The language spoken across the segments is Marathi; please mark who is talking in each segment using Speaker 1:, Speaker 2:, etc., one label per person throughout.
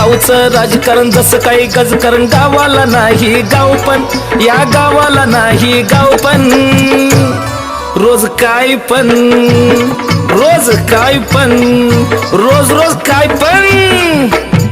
Speaker 1: गावचं राजकारण जसं काही गजकारण गावाला नाही गाव पण या गावाला नाही गाव पण रोज काय पण रोज काय पण रोज रोज काय पण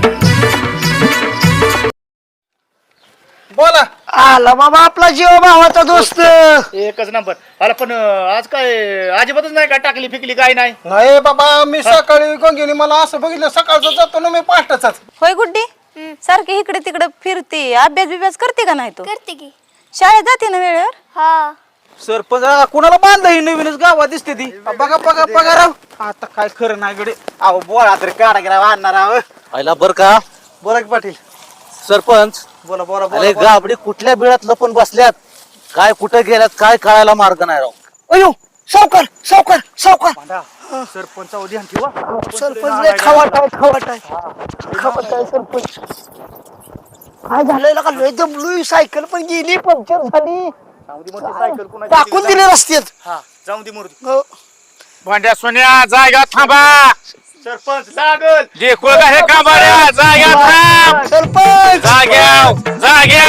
Speaker 2: बोला.
Speaker 3: आला बाबा आपला जीव भावाचा दोस्त.
Speaker 4: एकच नंबर. अरे पण आज काय अजिबातच नाही का टाकली फिकली काय नाही?
Speaker 2: नाही बाबा मी सकाळी गंगेने मला असं बघितलं सकाळचं जातो ना मी पाठचाच.
Speaker 5: होय गुड्डी सारखी इकडे तिकडे फिरते अभ्यास बिभ्यास करते का नाही तू?
Speaker 6: करते की.
Speaker 5: शाळेत जाते ना वेळेवर?
Speaker 6: हा.
Speaker 3: सरपंच कुणाला बांधलं ही नवीनच गावात दिसते ती.
Speaker 2: बघा बघा बघा राव आता काय खरं नाही गडे.
Speaker 3: अहो बोळा तरी काढा गेला आणणार आहो.
Speaker 7: आयला बर का
Speaker 2: बोला की पाटील.
Speaker 7: सरपंच
Speaker 2: बोला बोला
Speaker 7: अरे
Speaker 2: बोला.
Speaker 7: गाबडी कुठल्या बिळात लपून बसल्यात काय कुठं गेल्यात काय कळायला मार्ग नाही राव.
Speaker 3: अयो सावकार सावकार सावकार.
Speaker 4: सरपंच ध्यान ठेवा.
Speaker 3: सरपंच लय खवाटाय खवाटाय खवाटाय सरपंच. काय झालंय का लय दमलोय सायकल पण गेली पंक्चर झाली
Speaker 4: सायकल कुणाची
Speaker 3: टाकून दिले रस्त्यात.
Speaker 4: हा जाऊन दे मूर्ती.
Speaker 3: हो.
Speaker 8: भांड्या सोन्या जागा थांबा.
Speaker 4: सरपंच लागल
Speaker 8: देखो का हे कांबाड्या जाग्या थांब.
Speaker 3: सरपंच
Speaker 8: जाग्या